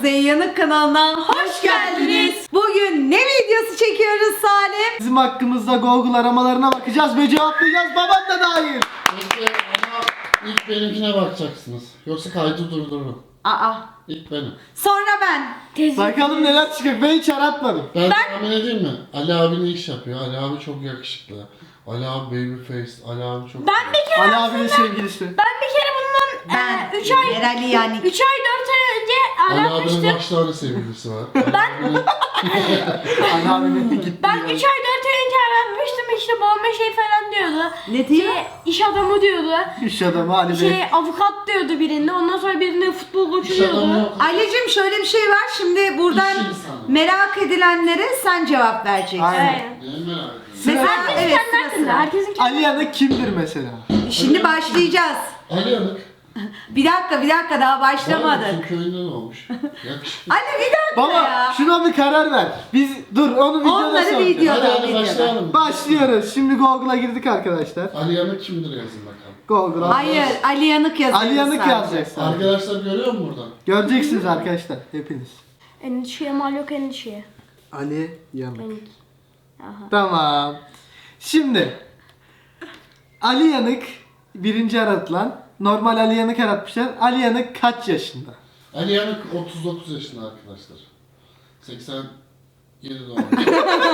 Kuzey Yanık kanalına hoş geldiniz. Bugün ne videosu çekiyoruz Salim? Bizim hakkımızda Google aramalarına bakacağız ve cevaplayacağız, babam da dahil. Ama ilk benimkine bakacaksınız. Yoksa kaydı durdururum. Aa. İlk benim. Sonra ben. Bakalım neler çıkacak, ben hiç aratmadım. Ben tahmin edeyim mi? Ali abi ne iş yapıyor? Ali abi çok yakışıklı. Ali abi baby face. Ali abi çok... Ben bir kere Ali abinin sevgilisi. Ben bir kere bundan Ben. 3 ay Merali yani. 3 ay 4 ay önce Ali abinin aratmıştım. kaç tane sevgilisi var? Ali Ali abinin gitti. Ben 3 ay 4 ay önce aratmıştım, işte babama şey falan diyordu. Ne diyor? İş adamı diyordu. İş adamı Ali Bey. Avukat diyordu birinde. Ondan sonra birinde futbol koçu İş adamı diyordu. yok. Ali'cim şöyle bir şey var. Şimdi buradan İş insanı. merak edilenlere sen cevap vereceksin. Aynen. Aynen. Neyi merak ediyorum? Mesela Herkes evet, kendi sıra hakkında. sıra. Herkesin kendi. Ali Yanık kimdir mesela? Şimdi başlayacağız. Ali Yanık. Bir dakika daha başlamadık. Bizim köyünde doğmuş. Yakışıklı. Ali bir dakika Baba ya. şuna bir karar ver. Biz dur onu videoda Onları soracağız. videoda. Hadi başlayalım. Başlıyoruz. Şimdi Google'a girdik arkadaşlar. Ali Yanık kimdir yazın bakalım. Google'a. Hayır, Ali Yanık yazıyoruz. Ali Yanık sadece. yazacaksın. Arkadaşlar görüyor musun buradan? Göreceksiniz arkadaşlar hepiniz. Endişeye mal yok endişeye. Ali Yanık. Benimki. Aha. Tamam. Şimdi Ali Yanık birinci aratılan. Normal Ali Yanık aratmışlar. Ali Yanık kaç yaşında? Ali Yanık 39 yaşında arkadaşlar. 87 doğumlu.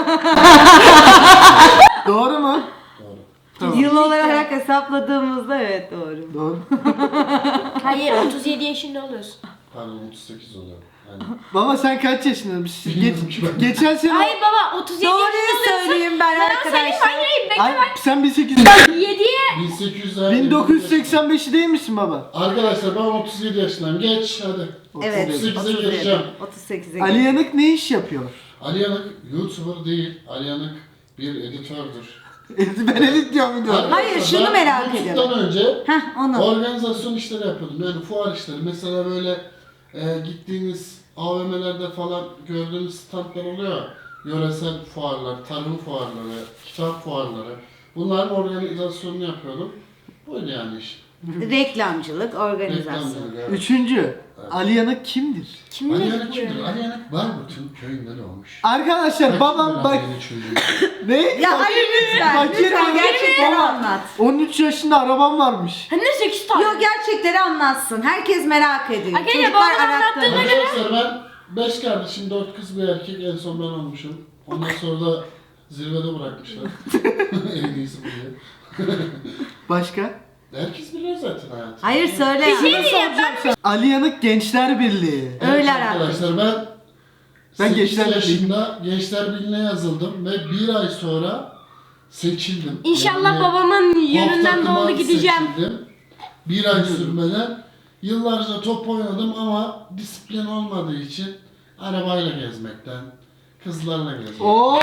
Doğru mu? Doğru. Tamam. Yıl olarak hesapladığımızda evet doğru. Doğru. Hayır 37 yaşında oluyorsun. Pardon 38 oluyor. Yani Baba sen kaç yaşında? Bilmiyorum ki ben. Geçen sene... Hayır baba 37 yaşında Doğruyu oluyorsun. söyleyeyim ben arkadaşlar. Hayır bekle Ay, ben. sen 1800... 7'ye 1800'ler. 1985'i değil misin baba? Arkadaşlar ben 37 yaşındayım. Geç hadi. Evet. 38'e 37. gireceğim. 38'e Ali Yanık ne iş yapıyor? Ali Yanık YouTuber değil. Ali Yanık bir editördur. Ben edit diyorum video. Hayır, Arkadaşlar, şunu ben merak YouTube'dan ediyorum. önce Heh onu. organizasyon işleri yapıyordum. Yani fuar işleri. Mesela böyle gittiğiniz AVM'lerde falan gördüğünüz standlar oluyor. Yöresel fuarlar, tarım fuarları, kitap fuarları. Bunların organizasyonunu yapıyordum. Buydu yani iş. Reklamcılık, organizasyon. Reklamcılık, evet. Üçüncü. Ali Yanık kimdir? Kimle Ali Yanık gidiyor? kimdir? Ali Yanık Barburt'un köyünde doğmuş. Arkadaşlar babam bak... Ne? Ya Ali lütfen, Bak, lütfen bak, gerçekleri baba. anlat. 13 yaşında arabam varmış. Hem de 8 tane. Yok gerçekleri anlatsın. Herkes merak ediyor. Arkadaşlar, Çocuklar babam arattığında anlattığına göre. Arkadaşlar ben 5 kardeşim, 4 kız bir erkek, en son ben olmuşum. Ondan sonra da zirvede bırakmışlar. En iyisi bu diye. Başka? Herkes biliyor zaten hayatı. Hayır söyle. Bir şey ya. diyeceğim ben. Ali Yanık Gençler Birliği. Evet Öyle arkadaşlar Ben 8 Gençler yaşında Gençler Birliği'ne yazıldım ve 1 ay sonra seçildim. İnşallah Yani babamın top yönünden takıma doğru gideceğim. seçildim. 1 ay sürmeden yıllarca top oynadım ama disiplin olmadığı için arabayla gezmekten, kızlarla gezmekten. Oo!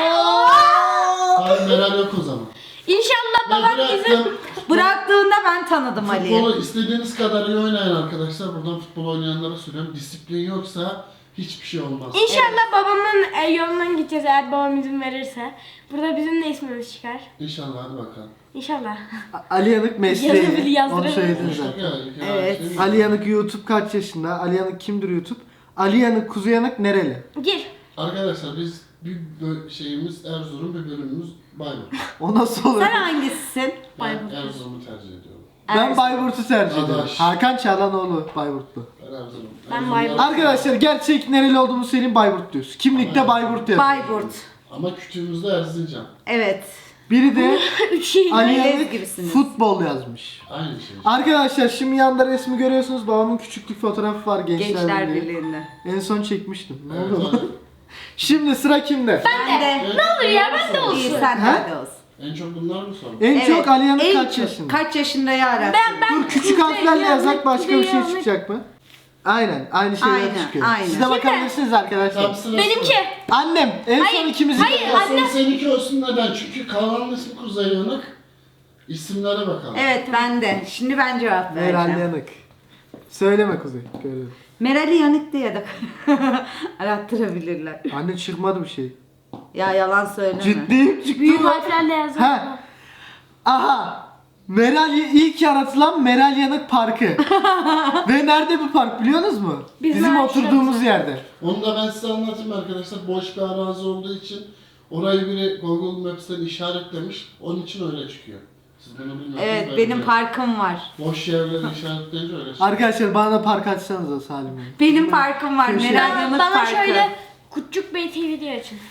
Hayır Meral yok o zaman. İnşallah Ben babam bizim... bıraktım. Bıraktığında ben tanıdım Ali'yi. Futbolu istediğiniz kadar iyi oynayın arkadaşlar. Buradan futbol oynayanlara söylüyorum. Disiplin yoksa hiçbir şey olmaz. İnşallah babamın yolundan gideceğiz eğer babam izin verirse. Burada bizim de ismimiz çıkar. İnşallah hadi bakalım. İnşallah. Ali Yanık mesleği. Yazabilir, yazdırabilir. Onu söyledin Konuştuk zaten. ya, Evet. şey mi? Ali Yanık YouTube kaç yaşında? Ali Yanık kimdir YouTube? Ali Yanık, Kuzey Yanık nereli? Gir. Arkadaşlar biz bir şeyimiz Erzurum, bir bölümümüz Bayburt. O nasıl olur? Sen hangisisin? Ben Bayburt. Erzurum'u tercih ediyorum. Ben Bayburt'u tercih ediyorum. Adaş. Hakan Çağlanoğlu Bayburtlu. Ben Erzurum. Ben Erzurum'da- Bayburt. Arkadaşlar gerçek nereli olduğumu söyleyeyim, Bayburt diyoruz. Kimlikte Bayburt diyoruz. Bayburt. Ama kütüğümüzde Erzincan. Evet. Biri de 3 şey. Ali Ailez Yanık gibisiniz. futbol yazmış. Aynı şey. Arkadaşlar şimdi yanda resmi görüyorsunuz. Babamın küçüklük fotoğrafı var Gençler, Gençler Birliği. Birliği'nde. En son çekmiştim. Ne Evet, oldu? aynen. Şimdi sıra kimde? Ben de. Ne olur ya, ben de İyi olsun. sen Ha? de olsun. En çok bunlar mı sorun? En Evet, çok Ali Yanık en kaç çok- yaşında? Kaç yaşında ya arattın? Ben Dur küçük harflerle yazsak başka bir şey çıkacak mı? Aynen aynı şeyler Aynen, çıkıyor. aynen. Siz de bakabilirsiniz arkadaşlar. Tam sırası. Benimki. Annem en Hayır, son ikimizin. hayır. Aslında seninki olsun neden? Çünkü Kaan'ın ismi Kuzey Yanık. İsimlere bakalım. Evet ben de. Şimdi ben cevap Meral vereceğim. Yanık. Söyleme Kuzey. Görüyorum. Meral'i Yanık diye de arattırabilirler. Anne çıkmadı bir şey. Ya yalan söyleme. Ciddiyim çıktı Büyük mı? harflerle yazdım. Ha. Aha. İlk yaratılan Meral Yanık Parkı. Ve nerede bu park biliyorsunuz mu? Bizim oturduğumuz yerde. Onu da ben size anlatayım arkadaşlar. Boş bir arazi olduğu için orayı biri Google Maps'ten işaretlemiş. Onun için öyle çıkıyor. Siz bunu bilmiyorsunuz. Evet ben benim biliyorum. parkım var. Boş yerleri işaretleyince öyle çıkıyor. Arkadaşlar bana da park açsanıza Salim Bey. Benim parkım var. Köşe. Meral Yanık Bana Parkı. şöyle Kutçuk Bey TV diye açın.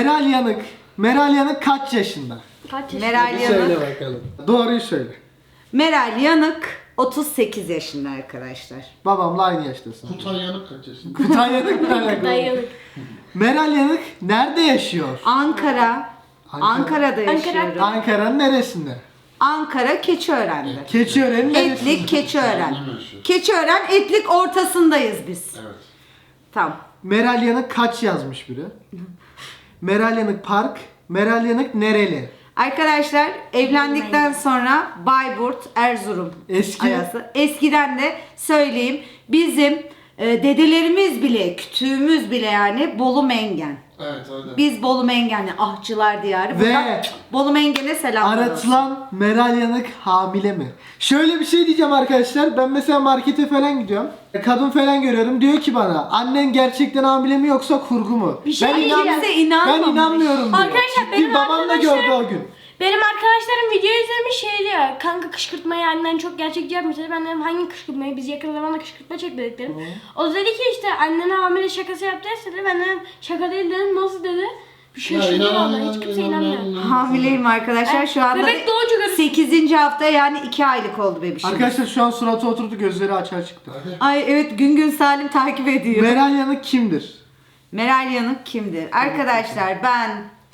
Meral Yanık kaç yaşında? Kaç yaşında? Meral Bir Yanık. söyle bakalım. Doğruyu söyle. Meral Yanık 38 yaşında arkadaşlar. Babamla aynı yaştasın. Kutay Yanık kaç yaşında? Kutay Yanık'la alakalı. Dayanık. Meral Yanık nerede yaşıyor? Ankara'da Ankara. yaşıyorum. Ankara'nın neresinde? Ankara Keçiören'de. Keçiören'in neresinde? Etlik Keçiören. Annem yaşıyor. Keçiören Etlik ortasındayız biz. Evet. Tamam. Meral Yanık kaç yazmış biri? Meral Yanık Park. Meral Yanık nereli? Arkadaşlar evlendikten sonra Bayburt, Erzurum Eski. arası. Eskiden de söyleyeyim bizim dedelerimiz bile, kütüğümüz bile yani Bolu Mengen. Evet öyle. Biz Bolu Mengenli ahçılar diyarı. Ve Buradan Bolu Mengen'e selamlar olsun. Aratılan Meral Yanık hamile mi? Şöyle bir şey diyeceğim arkadaşlar. Ben mesela markete falan gidiyorum. Kadın falan görüyorum. Diyor ki bana annen gerçekten hamile mi yoksa kurgu mu? Bir şey ben diyeceğim. Kimse inanmamış. Ben inanmıyorum diyor. Arkadaşlar, Ciddi benim babam da gördü o gün. Benim arkadaşlarım video izlemiş şey diyor. Kanka kışkırtmayı annen çok gerçekçi yapmış dedi. Ben dedim hangi kışkırtmayı? Biz yakın zamanda kışkırtma çektik dedim. O dedi ki işte annen hamile şakası yaptı dedi. Ben dedim şaka değil dedim. Nasıl dedi? Bir şey vallahi hiç kimse inanmıyor. Hamileyim arkadaşlar. Şu anda Bebek doğunca görürsün. 8. hafta yani 2 aylık oldu bebişim. Arkadaşlar şu an suratı oturdu, gözleri açığa çıktı. Ay evet gün Salim takip ediyor. Meral Yanık kimdir? Meral Yanık kimdir? Arkadaşlar ben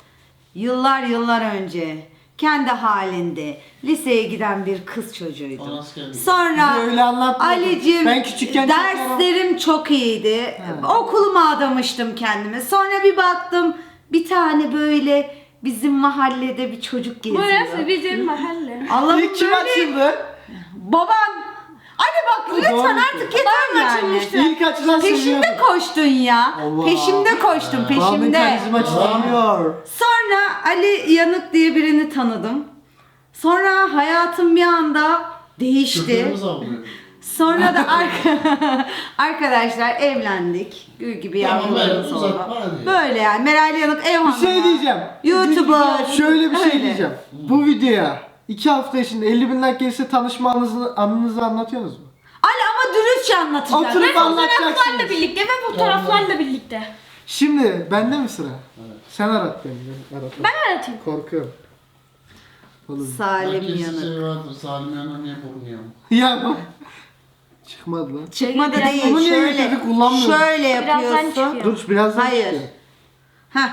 yıllar önce kendi halinde liseye giden bir kız çocuğuydum. Anası geldi. Sonra Bize öyle anlatmadın. Ali'cim Ben küçükken çok derslerim çok iyiydi. Okuluma adamıştım kendimi. Sonra bir baktım bir tane böyle bizim mahallede bir çocuk geziyor. Burası bizim mahalle. Allah'ım İlk kim böyle açıldı? baban. Hadi bak lütfen Doğru. artık yeter Babam yani. açılmıştı. İlk açılan Peşimde seviyordum. koştun ya. Allah. Peşimde koştun Babamın peşimde. karizma çıkamıyor. Sonra Ali Yanık diye birini tanıdım. Sonra hayatım bir anda değişti. Köpeğimiz avlıyor. Sonra da arkadaşlar evlendik. Gül gibi Tamam, yavrularımız evet, oldu. uzatma hadi. Böyle yani Meral Yanık ev Bir hanımı. şey diyeceğim. YouTuber. Şöyle bir şey Öyle. diyeceğim. Bu videoya 2 hafta içinde 50.000 like gelirse tanışma anınızı anlatıyorsunuz mu? Ali ama dürüstçe anlatacağım. Oturup Ve fotoğraflarla anlatacaksınız. birlikte ve fotoğraflarla birlikte. Şimdi bende mi sıra? Sen arat beni. Ben Ben aratayım. korkuyorum. Oğlum. Salim Herkesin Yanık. şey vardır. Salim Yanık niye burnu yamuk? Ya bak. Çıkmadı lan. Çıkmadı Biraz değil. onu niye Şöyle, getirdik, kullanmıyorum. şöyle Birazdan yapıyorsun. çıkıyor. Dur birazdan Hayır. çıkıyor. Heh.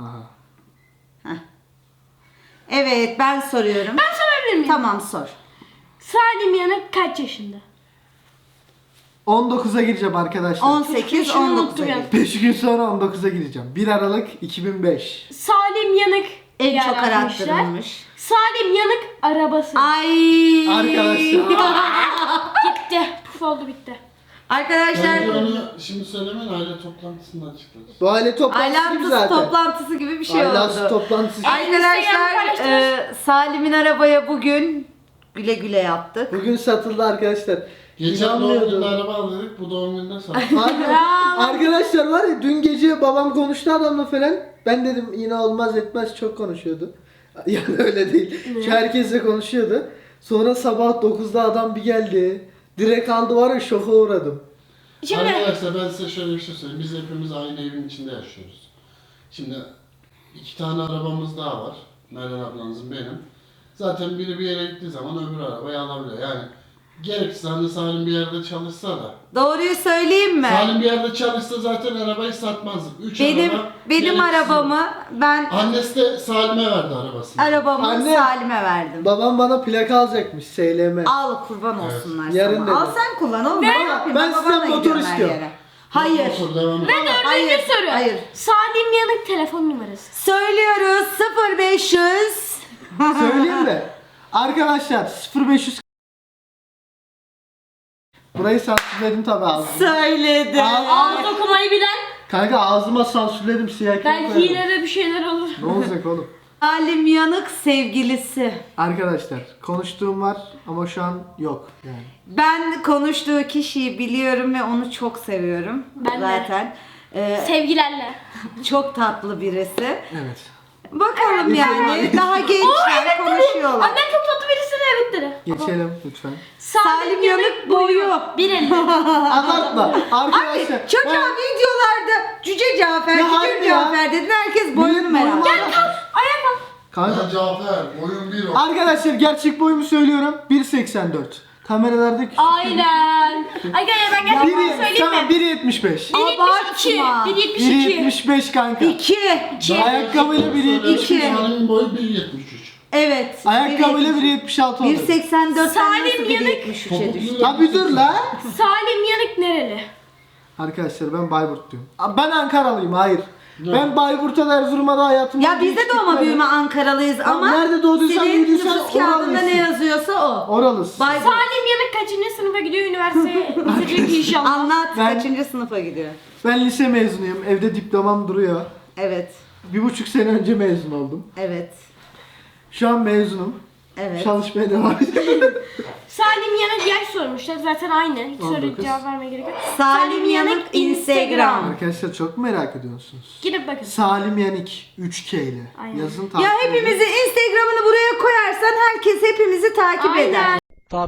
Aha. Evet ben soruyorum. Ben sorabilir miyim? Tamam sor. Salim Yanık kaç yaşında? 19'a gireceğim arkadaşlar. 18, Yaşını 19 unuttum ya. 5 gün sonra 19'a gireceğim. 1 Aralık 2005. Salim Yanık En çok yaratmışlar. arattırılmış. Salim Yanık arabası. Ay. Arkadaşlar. Gitti. Puf oldu bitti. Arkadaşlar Bence onu şimdi söylemeyin, aile toplantısında açıklarız. Bu aile toplantısı gibi ailantı zaten. toplantısı gibi bir şey Ailası oldu. toplantısı. Arkadaşlar Instagram'ı paylaştınız. Salim'in arabaya bugün güle güle yaptık. Bugün satıldı arkadaşlar. Geçen doğum İnanmıyordum. gününde araba aldık, bu doğum gününde sattık. Arkadaşlar var ya dün gece babam konuştu adamla falan. Ben dedim yine olmaz etmez çok konuşuyordu. Yani öyle değil. Çünkü herkesle konuşuyordu. Sonra sabah 9'da adam bir geldi. Direkt aldı var ya şoka uğradım. Şimdi Arkadaşlar ben size şöyle bir şey söyleyeyim. Biz hepimiz aynı evin içinde yaşıyoruz. Şimdi 2 tane arabamız daha var. Meral ablanızın benim. Zaten biri bir yere gittiği zaman öbür arabayı alabiliyor. Yani gerekirse hani Salim bir yerde çalışsa da. Doğruyu söyleyeyim mi? Salim bir yerde çalışsa zaten arabayı satmazdık. 3 Benim araba. benim gereksiz. arabamı ben Annesi de Salim'e verdi arabasını. arabamı Anne. Salim'e verdim. Babam bana plaka alacakmış SLM. Al kurban olsunlar Yarın sana. dedim. Al sen kullan oğlum. Ben, yapayım? ben Babanla sizden motor gidiyorum her istiyorum. yere. Hayır. Motor devam et. Hayır. dördüncü soru. Hayır. Salim Yanık telefon numarası. Söylüyoruz 0500. Söyleyeyim mi? Arkadaşlar 0500 Burayı sansürledim tabi ağzıma. Söyledi. Ağız okumayı bilen. Kanka ağzıma sansürledim siyah kağıt Belki koyarım. yine de bir şeyler olur. Ne olacak oğlum? Salim Yanık sevgilisi. Arkadaşlar konuştuğum var ama şu an yok yani. Ben konuştuğu kişiyi biliyorum ve onu çok seviyorum. Ben de. zaten. Sevgilerle. Çok tatlı birisi. Evet. Bakalım yani daha gençler konuşuyorlar. Annem çok tatlı birisine evet dedi. Geçelim lütfen. Salim Yanık boyu. 1.50. Anlatma. Abi Arkadaşlar. çocuğa videolarda Cüce Cafer, Ya hayır Cüce ya. Cafer dedin, herkes boyunu merak boyum ediyor. var. Ayağa kalk. Kanka. Ben Cafer, boyum 1 o. Arkadaşlar gerçek boyumu söylüyorum. 1.84. Kameralarda küçük. Aynen. Arkadaşlar ben gerçekten söyleyeyim Tamam mi? 1.75. 1.72. Abartma. 1.72. 1.75 kanka. 2. Ayakkabıyla 1.70. İki. Salim'in boyu 1.73. Evet. Ayakkabıyla 1.76 oldu. 1.84'ten Salim nasıl Yanık. 1.73'e düştü? Abi dur la. Salim Yanık nereli? Arkadaşlar ben Bayburt diyorum. Ben Ankaralıyım, hayır. Ne? Ben Bayburt'ta da Erzurum'da da hayatımda Ya biz de doğma büyüme Ankaralıyız ama nerede doğduysan senin büyüdüysen nüfus kağıdında oralısın. ne yazıyorsa o. Oralısın. Bayburt. Salim Yanık kaçıncı sınıfa gidiyor üniversiteye gidecek inşallah. Anlat Ben- kaçıncı sınıfa gidiyor? Ben lise mezunuyum. Evde diplomam duruyor. Evet. 1,5 sene önce mezun oldum. Evet. Şu an mezunum. Evet. Çalışmaya devam ediyorum. Salim Yanık yaş sormuşlar zaten aynı. Hiç 19. soru cevap vermeye gerek yok. Salim Yanık Instagram. Arkadaşlar çok merak ediyorsunuz. Gidip bakın. Salim Yanik 3K ile. Aynen. Yazın Ya takip edin. hepimizin Instagram'ını buraya koyarsan herkes hepimizi takip eder. Aynen.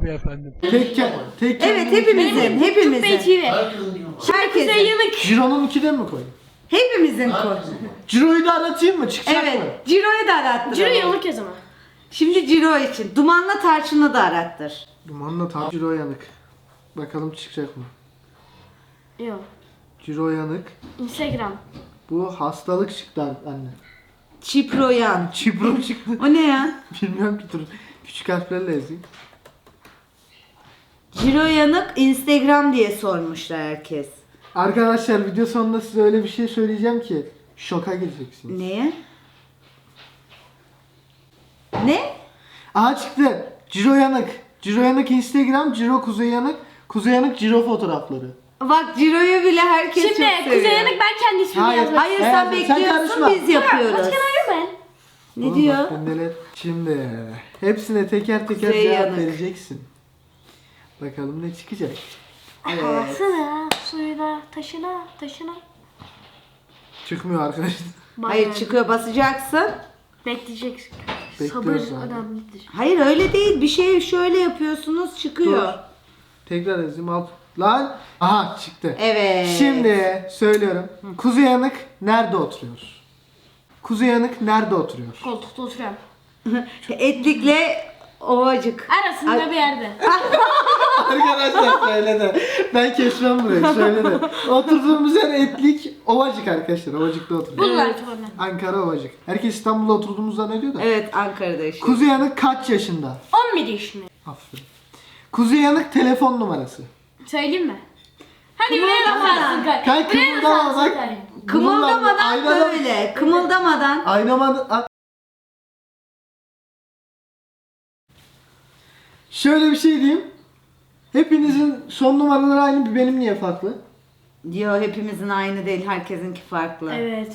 Tek Evet hepimizin, Cübbe hepimizin. TV. Herkesin gibi. Kuzey Herkesin. Yanık. Ciro'nun 2'den mi koyayım? Hepimizin koy. Herkesin gibi. Ciro'yu da aratayım mı? Çıkacak mı? Evet. Ciro'yu da arattır. Ciro ama. Yanık o zaman. Şimdi Ciro için. Dumanla tarçını da arattır. Dumanla tam Ciro yanık. Bakalım çıkacak mı? Yok. Ciro yanık. Instagram. Bu hastalık çıktı anne. Çiproyan. Çipro çıktı. O ne ya? Bilmiyorum ki dur. Küçük harflerle yazayım. Ciro Yanık Instagram diye sormuşlar herkes. Arkadaşlar video sonunda size öyle bir şey söyleyeceğim ki şoka gireceksiniz. Neye? Ne? Aha çıktı. Ciro yanık. Ciro yanık Instagram. Ciro Kuzey yanık. Kuzey yanık Ciro fotoğrafları. Bak Ciro'yu bile herkes Şimdi çok seviyor. Kuzey Yanık ben kendi ismimi Hayır. yazmak Hayır Hayır, sen sen bekliyorsun karışma. biz yapıyoruz. Başkan arıyor ben. Ne Oğlum diyor? bak ben neler- Şimdi hepsine teker teker Kuzey cevap yanık. vereceksin. Bakalım ne çıkacak. Evet. Havasına, suyuna, taşına, taşına. Çıkmıyor arkadaşlar. Hayır çıkıyor, basacaksın. Bekleyeceksin. Bekliyoruz Sabır abi. önemlidir. Hayır öyle değil. Bir şey şöyle yapıyorsunuz çıkıyor. Dur. Tekrar yazayım alt. Lan. Aha çıktı. Evet. Şimdi söylüyorum. Kuzey yanık nerede oturuyor? Kuzey yanık nerede oturuyor? Koltukta oturuyorum. Etlikle Ovacık. Arasında Ay- bir yerde. Arkadaşlar söyledi. Ben kesmem burayı söyledi. Oturduğumuz yer Etlik Ovacık arkadaşlar. Ovacık'ta oturuyor. Bunlar sonra. Ankara Ovacık. Herkes İstanbul'da oturduğumuzu zannediyor da. Evet Ankara'da yaşıyor. Kuzey yanık kaç yaşında? 11 yaşında. Aferin. Kuzey yanık telefon numarası. Söyleyeyim mi? Hadi buraya da sarsın kar. Kanka Buraya da kımıldama sarsın bak. kar. Kımıldamadan Aynadan- böyle. Kımıldamadan. Aynaman... Şöyle bir şey diyeyim. Hepinizin son numaraları aynı, bir benim niye farklı? Diyor hepimizin aynı değil. Herkesinki farklı. Evet.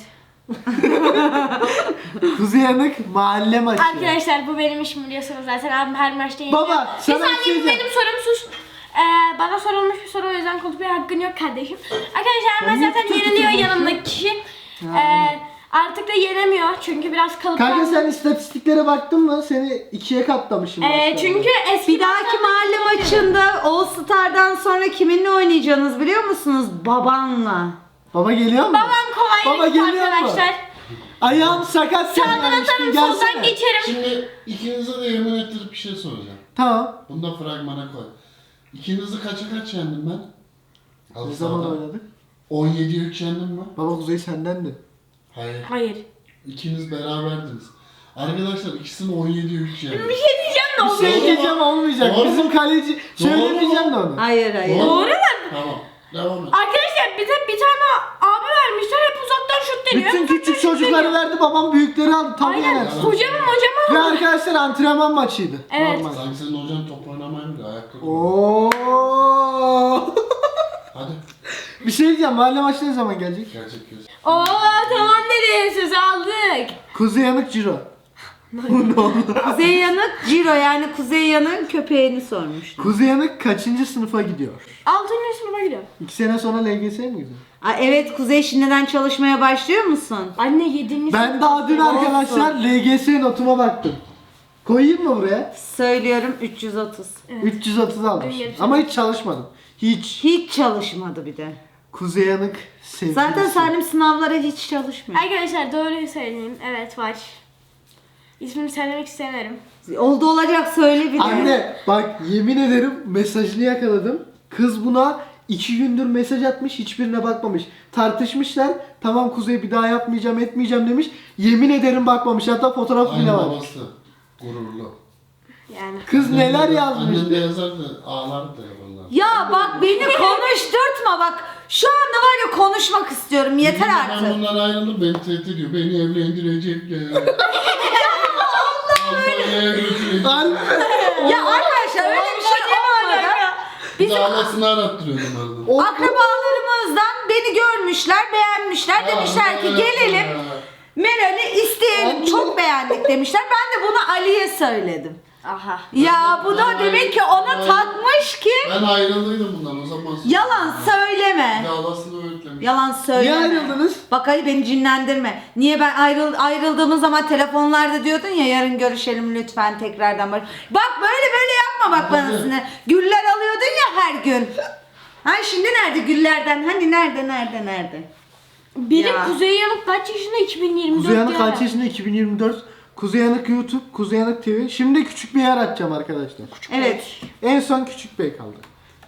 Kuzey yanık mahalle maçı. Arkadaşlar bu benim işim biliyorsunuz zaten abim her maçta yeniyor. Baba, Bir sana bir saniye şey bu diyeceğim. benim sorum sus. Bana sorulmuş bir soru o yüzden konuşmaya hakkın yok kardeşim. Arkadaşlar ben niye zaten tutup yeniliyor tutup yanımdaki kişi. Artık da yenemiyor çünkü biraz Kanka kalıplandı. sen istatistiklere baktın mı? Seni ikiye katlamışım. başlarda. Çünkü eski Bir dahaki mahalle maçında All Star'dan sonra kiminle oynayacaksınız biliyor musunuz? Babanla. Baba geliyor mu? babam Baba kolay geliyor mu? arkadaşlar. Ayağım sakat sen Sağdan gelmiştin, atarım gelsene. soldan geçerim. Şimdi ikinize de yemin ettirip bir şey soracağım. Tamam. Bunu da fragmana koy. İkinizi kaça kaç yendim ben? Ne zaman oynadık? 17'ye 3 yendim mi? Baba Kuzey sendendi. Hayır. Hayır. İkiniz beraberdiniz. Arkadaşlar ikisini 17'ye 3 yendim. Bir şey diyeceğim de Bir oluyor. şey diyeceğim olmayacak. Doğru mu? Bizim kaleci söylemeyeceğim de onu. Hayır hayır. Doğru mu? Tamam. Devam et. Arkadaşlar bize bir tane abi vermişler hep uzaktan şut deniyor. Bütün küçük çocukları verdi, babam büyükleri aldı. Tabii Aynen. yenersin. Hocamım Ve hocamım. arkadaşlar antrenman maçıydı. Evet. Normal. Sanki senin hocan top oynamayı biliyor. Ayakta duruyor. Oo. Hadi. Bir şey diyeceğim. Mahalle maçı ne zaman gelecek? Gerçek göz. Oo tamam dedi söz aldık. Kuzey yanık Ciro. Kuzey Yanık Ciro yani Kuzey Yanık'ın köpeğini sormuştu. Kuzey Yanık kaçıncı sınıfa gidiyor? 6. sınıfa gidiyorum. 2 sene sonra LGS'ye mi gidiyor? Aa, evet Kuzey şimdiden çalışmaya başlıyor musun? Anne 7. Ben daha dün arkadaşlar LGS notuma baktım. Koyayım mı buraya? Söylüyorum 330. 330 almış. Öyle bir şey. Ama hiç çalışmadım. Hiç. Hiç çalışmadı bir de. Kuzey Yanık sevgilisi. Zaten Salim sınavlara hiç çalışmıyor. Arkadaşlar doğruyu söyleyeyim. Evet var. İsmini söylemek istemiyorum. Oldu olacak söyle bir de. Anne bak yemin ederim mesajını yakaladım. Kız buna 2 gündür mesaj atmış, hiçbirine bakmamış. Tartışmışlar. Tamam Kuzey bir daha yapmayacağım, etmeyeceğim demiş. Yemin ederim bakmamış. Hatta fotoğraf bile Aynı var. babası. Gururlu. Yani. Kız neler yazmış. Annem de yazardı, ağlardı ya vallahi. Ya bak beni konuşturtma bak. Şu anda var ya konuşmak istiyorum. Yeter Ben artık. bundan ayrıldım, beni tehdit ediyor. Beni evlendirecekler. Almanya'ya götürecekler. Ya arkadaşlar öyle bir şey olmadı. Bir de anasını arattırıyordum arada. O- Akrabalarımızdan beni görmüşler, beğenmişler. Demişler ki gelelim Meral'i isteyelim. Anne. Çok beğendik demişler. Ben de bunu Ali'ye söyledim. Aha. Ya bu da demek ki ona takmış ki Ben ayrıldıydım bundan o zaman. yalan söyleme. Davasını öğütlemiş. Yalan söyleme. Niye ayrıldınız? Bak Ali beni cinlendirme. Niye ben ayrıldığımız zaman telefonlarda diyordun ya yarın görüşelim lütfen tekrardan bak. Bak böyle yapma bak bana sinir. Güller alıyordun ya her gün. Ha şimdi nerede güllerden? Hani nerede? Benim Ya. Kuzey Yanık kaç yaşında? 2024 Kuzey Yanık ya. kaç yaşında? 2024. Kuzey Yanık YouTube, Kuzey Yanık TV. Şimdi küçük bir yer açacağım arkadaşlar. Evet. En son Küçük Bey kaldı.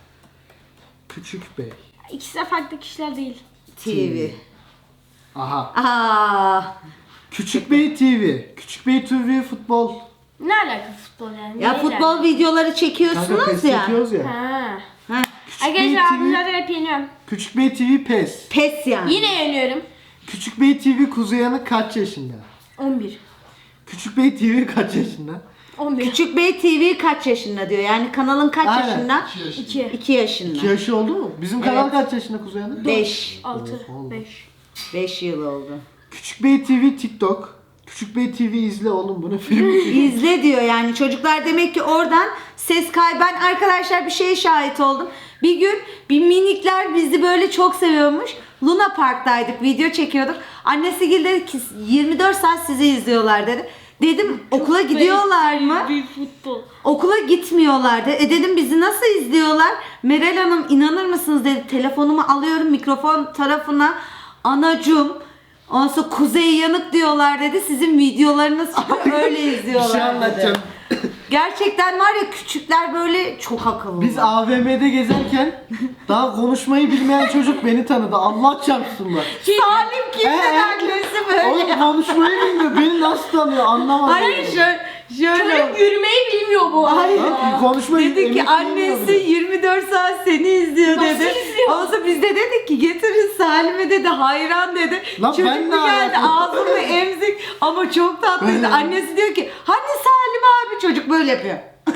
Küçük Bey. İkisi de farklı kişiler değil. TV. Aha. Aa. Küçük Bey TV. Küçük Bey TV futbol. Ne alaka futbol yani? Ya Neyle? futbol videoları Kanka çekiyorsunuz PES ya. çekiyoruz ya. Ha. Ha. Küçük Bey Arkadaşlar abim TV. zaten hep yeniyorum. Küçük Bey TV PES. Pes yani. Yine yeniyorum. Küçük Bey TV Kuzey Yanık kaç yaşında? 11. Küçük Bey TV kaç yaşında? 11. Küçük Bey TV kaç yaşında diyor. Yani kanalın kaç Aynen. yaşında? 2 yaşında. 2. 2 yaşında. 2 yaşı oldu mu? Bizim kanal Evet. kaç yaşında Kuzey Yanık? 5. 6. Oğlum. 5. 5 yıl oldu. Küçük Bey TV TikTok. Küçük Bey TV izle oğlum bunu film. İzle diyor yani çocuklar demek ki oradan ses kay. Ben arkadaşlar bir şeye şahit oldum. Bir gün bir minikler bizi böyle çok seviyormuş. Luna Park'taydık, video çekiyorduk. Annesi dedi ki 24 saat sizi izliyorlar dedi. Dedim okula gidiyorlar mı? Bir futbol. Okula gitmiyorlardı. Dedim bizi nasıl izliyorlar? Meral Hanım inanır mısınız dedi. Telefonumu alıyorum mikrofon tarafına. Anacım. Ondan sonra Kuzey Yanık diyorlar dedi. Sizin videolarınız çıkıyor öyle Bir şey izliyorlar dedi. anlatacağım. Gerçekten var ya küçükler böyle çok akıllı. Biz AVM'de gezerken daha konuşmayı bilmeyen çocuk beni tanıdı. Allah çarpsın bak. Salim kimden annesi böyle. Oğlum konuşmayı bilmiyor. Beni nasıl tanıyor anlamadım. Hayır şöyle. Çocuk yürümeyi bilmiyor bu. Hayır. Lan konuşmayı Dedi ki emek bilmiyor annesi bile. 24 saat seni izliyor Nasıl dedi. izliyor? Ondan sonra biz de dedik ki getirin Salim'e dedi hayran dedi. Lan Çocuk ben bir ne geldi alakam? ağzını emzik ama çok tatlıydı. Ben- Annesi diyor ki hani Salim abi çocuk böyle yapıyor.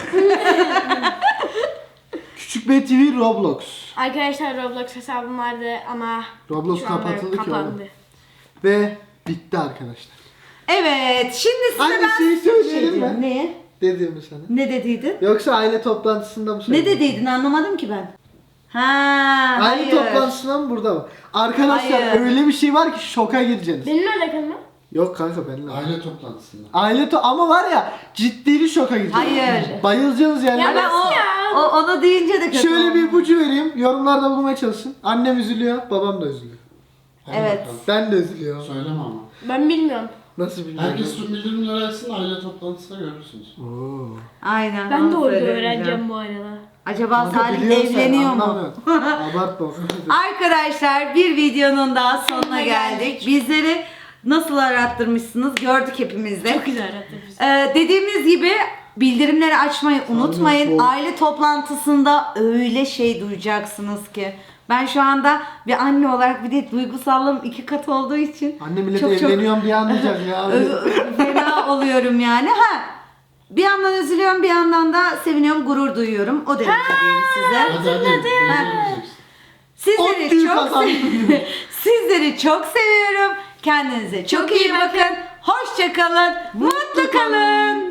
Küçük Bey TV Roblox. Arkadaşlar Roblox hesabım vardı ama Roblox şu anda kapatıldı ki kapandı. oğlum. Ve bitti arkadaşlar. Evet şimdi size Anne, ben şeyi söyleyelim mi? Ne? Dediğimi sana. Ne dediydin? Yoksa aile toplantısında mı Ne söyledin? dediydin anlamadım ki ben. Ha, Aile hayır. toplantısında mı burada mı? Arkadaşlar Hayır. öyle bir şey var ki şoka gireceksiniz. Benimle alakalı mı? Yok kanka benimle. Aile toplantısında. Ama var ya ciddili şoka gireceksiniz. Hayır. Bayılacaksınız yani. Ya Ben nasıl ya? onu deyince de kötü Şöyle oldu. bir ipucu vereyim. Yorumlarda bulmaya çalışın. Annem üzülüyor, babam da üzülüyor. Hadi Evet. bakalım. Ben de üzülüyorum. Söyleme ama. Ben bilmiyorum. Nasıl bilmiyorum. Herkes tüm bildirimleri açsın, aile toplantısında görürsünüz. Oo. Aynen. Ben de onu orada söyleyeceğim. öğreneceğim bu arada. Acaba Kanka Salim biliyorsun sen, evleniyor mu? anlamıyorum. Abartma. Arkadaşlar bir videonun daha sonuna Sonuna geldik. geldik. Bizleri nasıl arattırmışsınız gördük hepimiz de. Çok güzel arattı bizi. Dediğimiz gibi bildirimleri açmayı unutmayın. bol. Aile toplantısında öyle şey duyacaksınız ki. Ben şu anda bir anne olarak bir de duygusallığım 2 kat olduğu için Anne millet çok evleniyorum diye anlayacak ya. fena oluyorum yani. Bir yandan üzülüyorum bir yandan da seviniyorum, gurur duyuyorum. O derece diyeyim size. Hadi hadi. Sizleri Ot çok kazandım. Sizleri çok seviyorum. Kendinize çok iyi bakın. Hoşça kalın. Mutlu kalın.